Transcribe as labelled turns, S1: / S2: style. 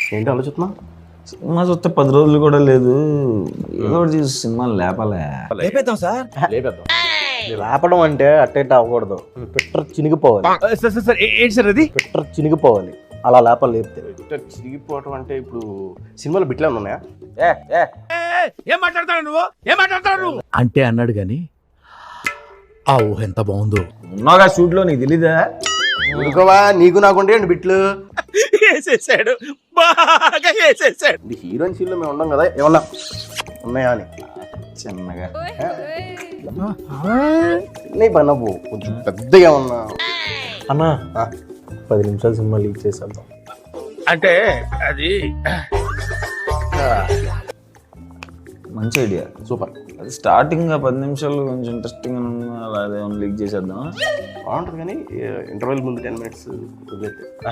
S1: ఏంటి ఆలోచిస్తున్నా?
S2: సినిమా చూస్తే 10 రోజులు కూడా లేదు. ఏదో ఒకటి చూసి సినిమాలు లేపాలే.
S3: లేపేద్దాం సార్.
S1: లేపేద్దాం. లేపడం అంటే అట్టేట అవ్వకూడదు. పిట్టర్ చినిగిపోవాలి.
S3: సార్ ఏంటి సార్ అది?
S1: పిట్టర్ చినిగిపోవాలి. అలా లేపాలి. లేపితే పిట్టర్ చినిగిపోవటం అంటే ఇప్పుడు సినిమాలో బిట్లు ఏమైనా ఉన్నాయా?
S3: ఏం మాట్లాడతాడు నువ్వు? అంటే అన్నాడు గాని ఆ ఊహ ఎంత బాగుందో.
S2: ఉన్నాగా షూట్లో నీకు తెలీదా?
S1: ఉడుకోవా, నీకు నాకుంటే బిట్లు.
S3: వేసేసాడు, బాగా వేసేసాడు.
S1: ఇది హీరోయిన్ సీన్లో మేము ఉన్నాం కదా, ఏమన్నా ఉన్నాయా అని
S2: చిన్నగా
S1: చిన్న పని నవ్వు కొంచెం పెద్దగా ఉన్నా
S4: అన్నా 10 నిమిషాలు సినిమా లీక్ చేసేద్దాం.
S3: అంటే అది
S2: మంచి ఐడియా.
S1: సూపర్.
S2: అది స్టార్టింగ్ 10 నిమిషాలు కొంచెం ఇంట్రెస్టింగ్ అలా లీక్ చేసేద్దాం.
S1: బాగుంటుంది కానీ ఇంటర్వెల్ ముందు 10 minutes వదిలేస్తే